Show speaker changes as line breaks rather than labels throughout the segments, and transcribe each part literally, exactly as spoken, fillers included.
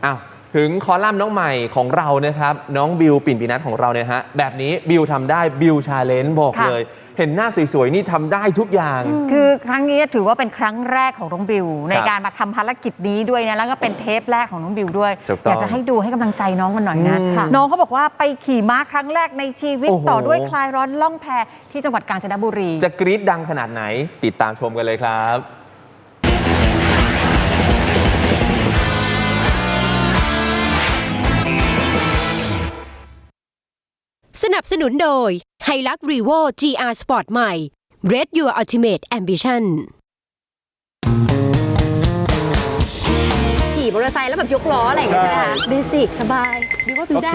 อ้าวถึงคอลัมน์น้องใหม่ของเรานะครับน้องบิวปิ่นปีนัทของเราเนี่ยฮะแบบนี้บิวทำได้บิวชาเลนจ์บอกเลยเห็นหน้าสวยๆนี่ทำได้ทุกอย่าง
คือครั้งนี้ถือว่าเป็นครั้งแรกของน้องบิวในการมาทำภารกิจนี้ด้วยนะแล้วก็เป็นเทปแรกของน้องบิวด้วยอยากจะให้ดูให้กำลังใจน้องกันหน่อยนะน้องเขาบอกว่าไปขี่ม้าครั้งแรกในชีวิตต่อด้วยคลายร้อนล่องแพที่จังหวัดกาญจนบุรี
จะกรี๊ดดังขนาดไหนติดตามชมกันเลยครับ
สนับสนุนโดย Hilux Revo จี อาร์ Sport ใหม่ Red Your Ultimate Ambition
ขี่มอเตอร์ไซค์แล้วแบบยกล้ออะไรอย่างเงี้ยใช่ไหมคะเบสิกสบายดีว่าพี่ได้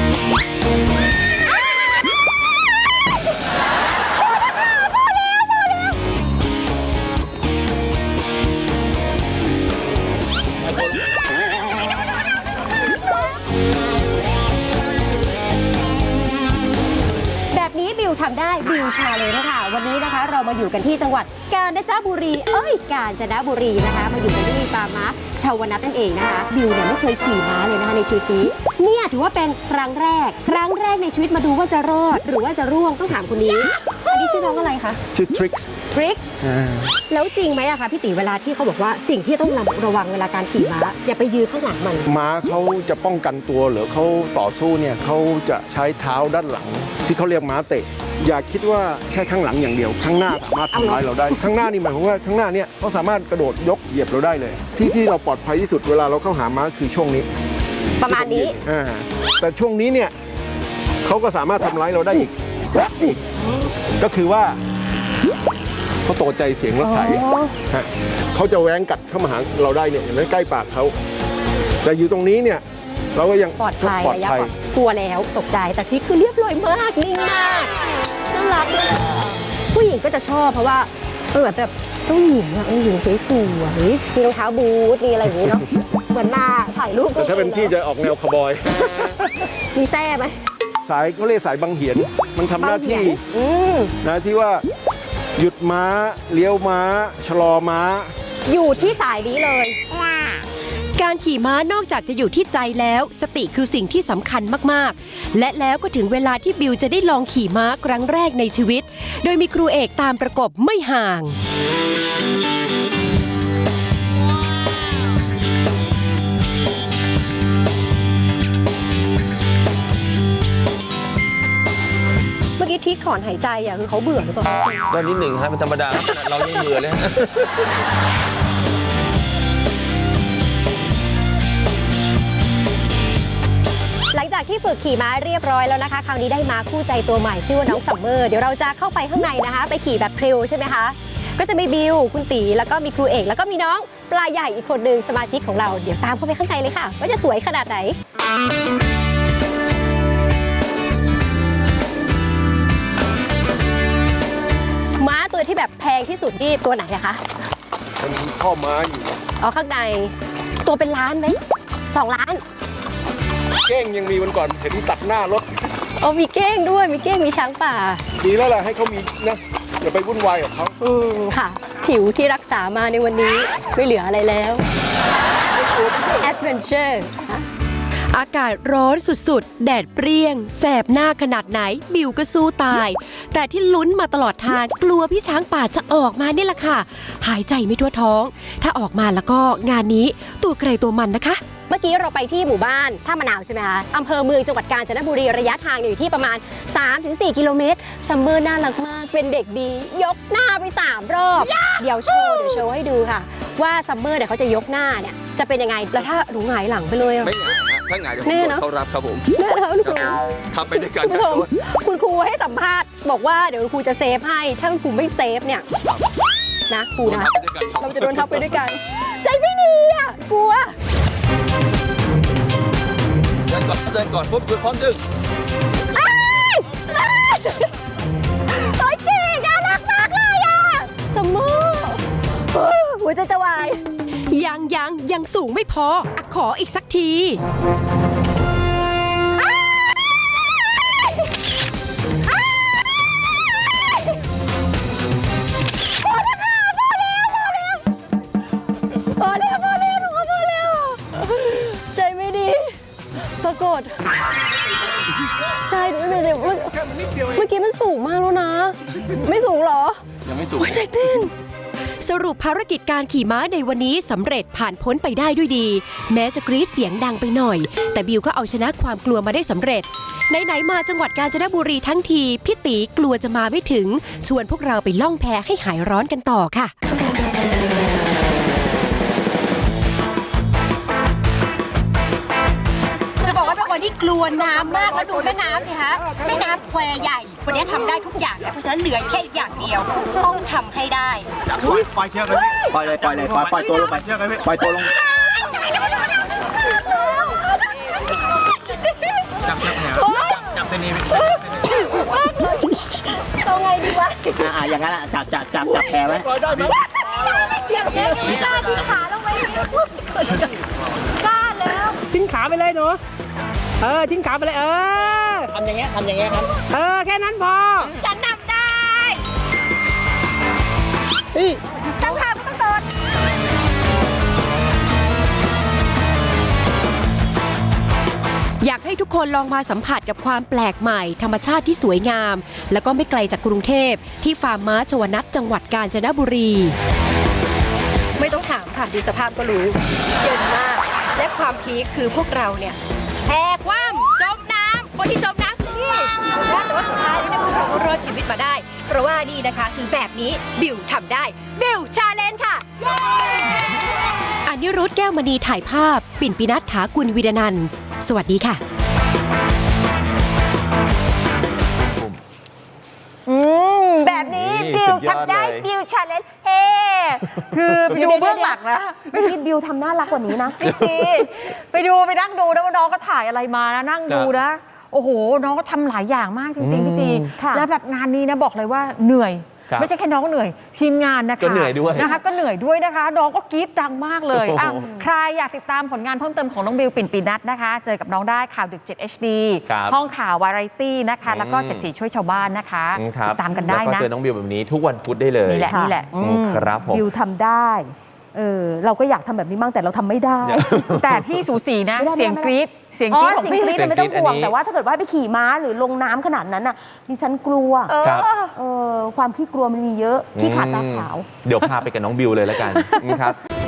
บิวทำได้บิวชาเลยนะคะวันนี้นะคะเรามาอยู่กันที่จังหวัดกาญจนบุรีเอ้ยกาญจนบุรีนะคะมาอยู่กันที่ฟาร์มม้าชาวนัทนั่นเองนะคะบิวเนี่ยไม่เคยขี่ม้าเลยนะคะในชีวิตนี้เนี่ยถือว่าเป็นครั้งแรกครั้งแรกในชีวิตมาดูว่าจะรอดหรือว่าจะร่วงต้องถามคนนี้อันนี้ชื่อน้องอะไรคะ
ชื่อทริก
ทริกแล้วจริงไหมอะคะพี่ติ๋วเวลาที่เขาบอกว่าสิ่งที่ต้องระวังเวลาการขี่ม้าอย่าไปยืนข้างหลังมัน
ม้าเขาจะป้องกันตัวหรือเขาต่อสู้เนี่ยเขาจะใช้เท้าด้านหลังที่เขาเรียกม้าเตะอย่าคิดว่าแค่ข้างหลังอย่างเดียวข้างหน้าสามารถทำร้ายเราได้ข้างหน้านี่หมายความว่าข้างหน้าเนี่ยเขาสามารถกระโดดยกเหยียบเราได้เลยที่ที่เราปลอดภัยที่สุดเวลาเราเข้าหาม้าคือช่วงนี้
ประมาณนี้
แต่ช่วงนี้เนี่ยเขาก็สามารถทำร้ายเราได้อีกอีกก็คือว่าเขาตกใจเสียงรถไถเขาจะแหวงกัดเข้ามาหาเราได้เนี่ยอย่างใกล้ปากเขาแต่อยู่ตรงนี้เนี่ยเราก็ยัง
ปลอดภัยระยะปลอดกลัวแล้วตกใจแต่ที่คือเรียบร้อยมากนิ่งมากน่ารักเลยผู้หญิงก็จะชอบเพราะว่าเออแบบต้องหญิงอะหญิงสวยสวยมีรองเท้าบูทมีอะไรอย่างนี้เนาะเหมือนมาถ่ายรูป
แต่ถ้าเป็นพี่จะออกแนวคาวบอย
มีแท้ไหม
สายเขาเรียกสายบังเหียนมันทำหน้าที่นะที่ว่าหยุดม้าเลี้ยวม้าชะลอม้า
อยู่ที่สายนี้เลย
การขี่ม้านอกจากจะอยู่ที่ใจแล้วสติคือสิ่งที่สำคัญมากๆและแล้วก็ถึงเวลาที่บิวจะได้ลองขี่ม้าครั้งแรกในชีวิตโดยมีครูเอกตามประกบไม่ห่าง
เมื่อกี้ทิกถอนหายใจอ่ะคือเขาเบื่อหรือเปล่า
ก็นิดหนึ่งฮะเป็นธรรมดาขนาดเรายังเบื่อเลย
หลังจากที่ฝึกขี่ม้าเรียบร้อยแล้วนะคะคราวนี้ได้ม้าคู่ใจตัวใหม่ชื่อว่าน้องซัมเมอร์เดี๋ยวเราจะเข้าไปข้างในนะคะไปขี่แบบทริลใช่ไหมคะก็จะมีบิวคุณตีแล้วก็มีครูเอกแล้วก็มีน้องปลาใหญ่อีกคนหนึ่งสมาชิกของเราเดี๋ยวตามเข้าไปข้างในเลยค่ะว่าจะสวยขนาดไหนม้าตัวที่แบบแพงที่สุดนี่ตัวไหนอะคะ
มันมีข้อม้าอยู่
อ๋อข้างในตัวเป็นล้านไหมสองล้าน
เก้งยังมีวันก่อนเห็นตัดหน้ารถ
โอ้มีเก้งด้วยมีเก้งมีช้างป่า
ดีแล้วแหละให้เขามีนะอย่าไปวุ่นวายกับเขา
อืมค่ะผิวที่รักษามาในวันนี้ไม่เหลืออะไรแล้วแอดเวนเจอร์
อากาศร้อนสุดๆแดดเปรี้ยงแสบหน้าขนาดไหนบิวก็สู้ตายแต่ที่ลุ้นมาตลอดทางกลัวพี่ช้างป่าจะออกมานี่แหละค่ะหายใจไม่ทั่วท้องถ้าออกมาแล้วก็งานนี้ตัวใครตัวมันนะคะ
เมื่อกี้เราไปที่หมู่บ้านท่ามะนาวใช่ไหมคะอำเภอเมืองจังหวัดกาญจนบุรีระยะทางอยู่ที่ประมาณ สามถึงสี่ กิโลเมตรซัมเมอร์น่ารักมากเป็นเด็กดียกหน้าไปสามรอบเดี๋ยวโชว์เดี๋ยวโชว์ให้ดูค่ะว่าซัมเมอร์เนี่ยเขาจะยกหน้าเนี่ยจะเป็นยังไงแล้วถ้าหนูหงายหลังไปเลย
ไม่หงายถ้าหงายเดี๋ยวผมเขารับครับผม
แน่นะคุณครู
ทำไปด้วยกัน
คุณครูให้สัมภาษณ์บอกว่าเดี๋ยวคุณครูจะเซฟให้ถ้าคุณครูไม่เซฟเนี่ยนะครูนะเราจะโดนทับไปด้วยกันใจไม่ดีอ่ะกลัว
เดินก่อนเดินก่อนปุ๊บหยุดพร้อมดึง
โอ้ยเก่งน่ารักมากเลยอ่ะสมมูหัวใจจะวาย
ยังยังยังสูงไม่พอขออีกสักที
พอแล้วพอแล้วพอแล้วพอแล้วใจไม่
สูง
สรุปภารกิจการขี่ม้าในวันนี้สำเร็จผ่านพ้นไปได้ด้วยดี แม้จะกรี๊ดเสียงดังไปหน่อย แต่บิวก็เอาชนะความกลัวมาได้สำเร็จไหนๆมาจังหวัดกาญจนบุรีทั้งทีพี่ตีกลัวจะมาไม่ถึงชวนพวกเราไปล่องแพให้หายร้อนกันต่อค่ะ
จะบอกว่าเป็นคนที่กลัวน้ำมากแล้วดูแม่น้ำสิคะแม่น้ำแควใหญ่วันนี้ทำได้ทุกอย่างแล้วเพราะฉะนั้นเหลือแค่อีกอย่างเดียว ต้องทำให้ได้
ปล่อยปล่อยเชือกเลยปล่อยเลยปล่อยเลยปล่อยปล่อยตัวลงไปเชือกเลยปล่อยตัวลงจับจับแผลจับเส้นนี้เอาไงดีวะอ่าอย่างนั้นอ่ะจับจับจับจับแผลไว้ทิ้งขาไปเลยหนูเออทิ้งขาไปเลยเออทำอย่างเงี้ยทำอย่างเงี้ยครับเออแค่นั้นพอฉันทำได้ช่างภาพก็ต้องสด
อยากให้ทุกคนลองมาสัมผัสกับความแปลกใหม่ธรรมชาติที่สวยงาม แล้วก็ไม่ไกลจากกรุงเทพที่ฟาร์มม้าชวนัทจังหวัดกาญจนบุรี
ไม่ต้องถามค่ะดูสภาพก็รู้เย็นมากและความพีคคือพวกเราเนี่ยแหกว่ำจมน้ำคนที่จมน้ำคือนี่แต่ว่าสุดท้ายเนี่ยพวกเราก็รอดชีวิตมาได้ เพราะว่านี่นะคะคือแบบนี้บิวทำได้บิวชาเลนจ์ค่ะ
อานิรุธแก้วมณีถ่ายภาพปิ่นปินัทถากุลวีรนันท์สวัสดีค่ะ
อืมแบบนี้
นี่
บิว
สุดยอด
ทำได้
เลย
บิวชาเลนจ์เฮ้คือไปดูเบื้องหลังนะ
เมื่อกี้บิวทำน่ารักกว่านี้นะ
พี่ซีไปดูไปนั่งดูนะว่าน้องก็ถ่ายอะไรมานะนั่งดูนะ โอ้โห น้องก็ทำหลายอย่างมากจริงๆพี่จี
ค่ะ
แล้วแบบงานนี้นะบอกเลยว่าเหนื่อย
ครับ
ไม่ใช่แค่น้องเหนื่อย ทีมงานนะคะ
ก็เหนื่อยด้วย
นะคะ ก็เหนื่อยด้วยนะคะ น้องก็กรี๊ดดังมากเลย
โอ้โห
อ่ะใครอยากติดตามผลงานเพิ่มเติมของน้องบิวปิ่นปีนัทนะคะ เจอกับน้องได้ข่าวดึก เจ็ด เอช ดี
ครับ
ห้องข่าววาไรตี้นะคะ แล้วก็
อืม
เจ็ดสีช่วยชาวบ้านนะคะ
อืครับ
ติดตามกันได้
แล้วก็
นะ
เจอน้องบิวแบบนี้ทุกวันพุธได้เลย
นี่แหละนี่แหละ
อืมครับผม
บิวทำได้เออเราก็อยากทำแบบนี้บ้างแต่เราทำไม่ได้
แต่พี่สูสีนะ
ไม่ได้
เสียง
ไม่ได้
กรี๊ดเสียง
อ๋
ก
อ
รี๊ดของ
สิ่ง
พี่
นี้
เสียง
ไม่ต้อง
กรี๊ด
ห่ว
อั
ง
นนี้
แต่ว่าถ้าเกิดว่าไปขี่ม้าหรือลงน้ำขนาดนั้นน่ะดิฉันกลัว
ครับ
เออความขี้กลัวมันมีเยอะขี้ขาดตาขาว
เดี๋ยวพาไปกับน้องบิวเลยแล้วกันนะครับ